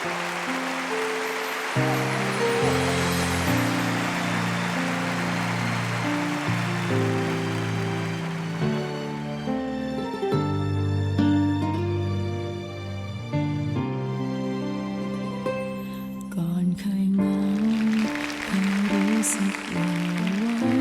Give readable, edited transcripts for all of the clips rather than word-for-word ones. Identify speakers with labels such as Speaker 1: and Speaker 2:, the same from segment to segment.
Speaker 1: ก่อนเคยเหงาเคยรู้สึกหวั่นไหว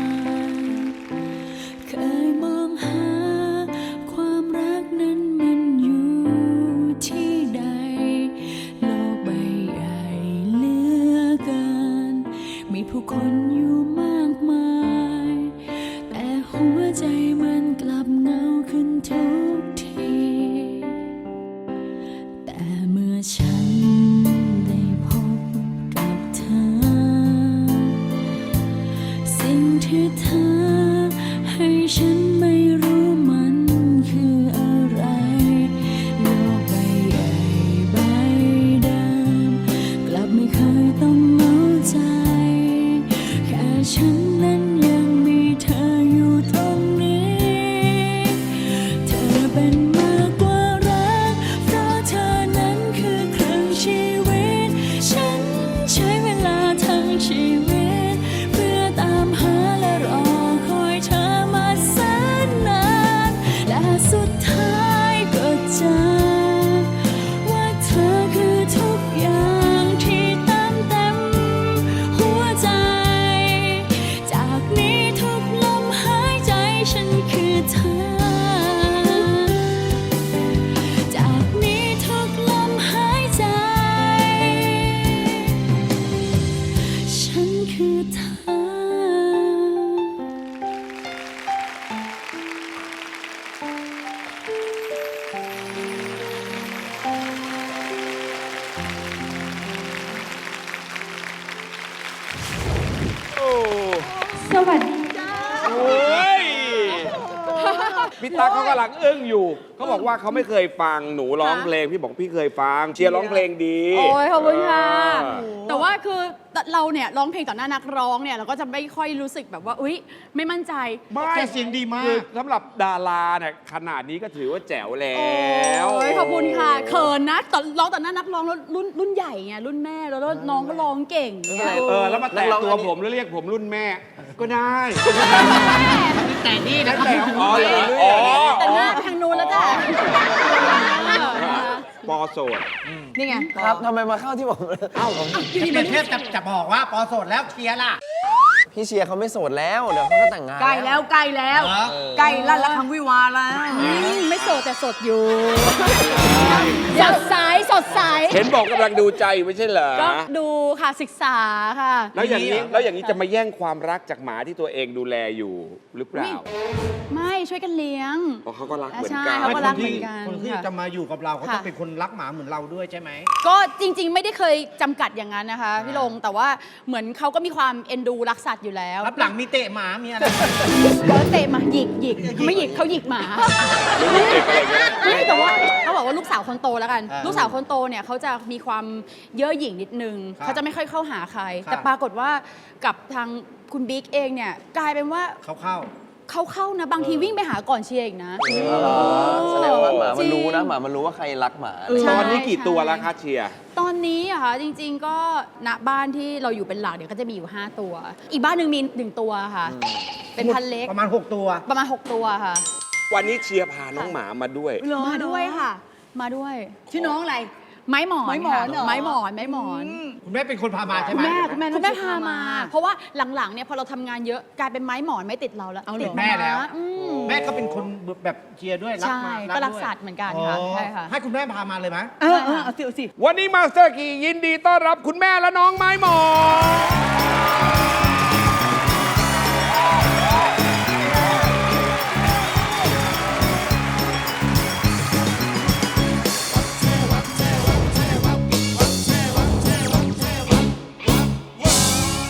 Speaker 1: เคยมองหาความรักนั้นมันอยู่ที่ใดโลกใบใหญ่เหลือเกินมีผู้คนอยู่มากมายแต่หัวใจมันกลับเหงาขึ้นทุกทีแต่เมื่อฉันได้พบกับเธอสิ่งที่เธอให้ฉันไม่รู้มันคืออะไรโลกใบใหญ่ใบเดิมกลับไม่เคยต้องเหงาใจแค่ฉันนั้นยังมีเธออยู่ตรงนี้เธอเป็นมากกว่ารักเพราะเธอนั้นคือครึ่งชีวิตฉันใช้เวลาทั้งชีวิตเพื่อตามหาและรอคอยเธอมาแสนนานและสุดท้ายก็เจอว่าเธอคือทุกอย่างที่เติมเต็มหัวใจจากนี้ทุกลมหายใจฉันคือเธอจากนี้ทุกลมหายใจฉันคือเธอ
Speaker 2: โอ้
Speaker 1: สวัสดี
Speaker 2: โอ้ยพี่ตั๊กเขากำลังอึ้งอยู่ เขาบอกว่าเขาไม่เคยฟังหนูร้องเพลง พี่บอกพี่เคยฟัง เชียร์ร้องเพลงดี
Speaker 3: โอ้ยขอบคุณค่ะ
Speaker 2: เออ
Speaker 3: แต่ว่าคือเราเนี่ยร้องเพลงต่อหน้านักร้องเนี่ยเราก็จะไม่ค่อยรู้สึกแบบว่าอุ๊ยไม่มั่นใจ
Speaker 2: ไม่
Speaker 4: แกเสียงดีมาก
Speaker 2: คือสำหรับดาราเนี่ยขนาดนี้ก็ถือว่าแจ๋วแล้ว
Speaker 3: โอ้ยขอบคุณค่ะเขินนะตอนร้องต่อหน้านักร้องแล้วรุ่นใหญ่ไงรุ่นแม่แล้วน้องก็ร้องเก่งไง
Speaker 2: แล้วมาแตะตัวผมแล้วเรียกผมรุ่นแม่ ก็ได้
Speaker 4: แต่นี่นะ
Speaker 2: แต่อ๋อเหรออ๋อ
Speaker 3: แต่หน้าไปทางนู้นแล้วจ้ะ
Speaker 2: ปอโสด
Speaker 3: นี่ไง
Speaker 5: ครับทำไมมาเข้าที่ผม
Speaker 4: พี่เทพจะบอกว่าปอโสดแล้วเคลียร์ล่ะ
Speaker 5: พี่เชียร์เขาไม่โสดแล้ว เดี๋ยวเขาก็แต่งงาน
Speaker 6: ใกล้แล้วใกล้แล้ว
Speaker 4: เหรอ
Speaker 6: ใกล้ลั่นละครั้งวิวาห์แล้ว
Speaker 3: ไม่โสดแต่สดอยู่สดใสสดใส
Speaker 2: เห็นบอกกำลังดูใจไม่ใช่เหรอ
Speaker 3: ก็ดูค่ะศึกษาค่ะ
Speaker 2: แล้วอย่างนี้จะมาแย่งความรักจากหมาที่ตัวเองดูแลอยู่หรือเปล่า
Speaker 3: ไม่ช่วยกันเลี้ยง
Speaker 2: เพราะเขาก็รักเหมือน
Speaker 3: ใช่
Speaker 2: กัน
Speaker 3: เขาก็รักเหมือนกัน
Speaker 4: คนที่
Speaker 3: ค่ะ
Speaker 4: จะมาอยู่กับเราเขาต้อง
Speaker 3: ค่ะ
Speaker 4: เป็นคนรักหมาเหมือนเราด้วยใช่ไหม
Speaker 3: ก็จริงๆ ไม่ได้เคยจำกัดอย่างนั้นนะคะพี่ลงแต่ว่าเหมือนเขาก็มีความเอ็นดูรักสัตว์อยู่แล้ว
Speaker 4: รับหลังมีเตะหมามีอะไร
Speaker 3: เขาเตะหมาหยิกไม่หยิกเขาหยิกหมาไม่แต่ว่าเขาบอกว่าลูกสาวคนโตแล้วกัน ลูกสาวคนโตเนี่ยเขาจะมีความเย่อหยิ่งนิดนึงเขาจะไม่ค่อยเข้าหาใคร แต่ปรากฏว่ากับทางคุณบิ๊กเองเนี่ยกลายเป็นว่า
Speaker 4: เข้า
Speaker 3: เขาเข้านะบางทีวิ่งไปหาก่อนเชียร์อีกนะ
Speaker 5: แสดงว่าหมามันรู้
Speaker 3: จริ
Speaker 5: นะ
Speaker 3: ง
Speaker 5: หมามันรู้ว่าใครรักหมา
Speaker 3: ใช่
Speaker 2: ตอนนี้กี่ตัวแล้วคะเชียร์
Speaker 3: ตอนนี้อะค่ะจริงๆก็ณบ้านที่เราอยู่เป็นหลักเดี๋ยวก็จะมีอยู่ 5 ตัว อีกบ้านหนึ่งมี 1 ตัวค่ะ เป็นพันเล็ก
Speaker 4: ประมาณ 6 ตัว
Speaker 3: ประมาณ 6 ตัวค่ะ
Speaker 2: วันนี้เชียร์พาน้องหมามาด้วย
Speaker 3: มาด้วยค่ะ มาด้วย
Speaker 6: ชื่อน้องอะไร
Speaker 3: ไม้หมอน
Speaker 6: ไม้หมอน
Speaker 3: ค่ะ
Speaker 6: เหรอ
Speaker 3: ไม้หมอน
Speaker 4: คุณแม่เป็นคนพามาใช่ไหม
Speaker 3: คุณแม่พามา เพราะว่าหลังๆเนี่ยพอเราทำงานเยอะกลายเป็นไม้หมอนไม่ติดเราแล้ว
Speaker 6: เอาเหรอ
Speaker 3: ติด
Speaker 4: แม่แล้ว
Speaker 3: อืม
Speaker 4: แม่ก็เป็นคนแบบเชียร์ด้วยรัก
Speaker 3: ใช่
Speaker 4: หมา
Speaker 3: ก็รัก
Speaker 4: ด้วย
Speaker 3: สัตว์เหมือนกันค่ะ
Speaker 4: อ๋อ
Speaker 3: ใช่ค่ะ
Speaker 4: ให้คุณแม่พามาเลยไหม
Speaker 6: เออเอาสิ
Speaker 2: วันนี้มาสเตอร์กียินดีต้อนรับคุณแม่และน้องไม้หมอน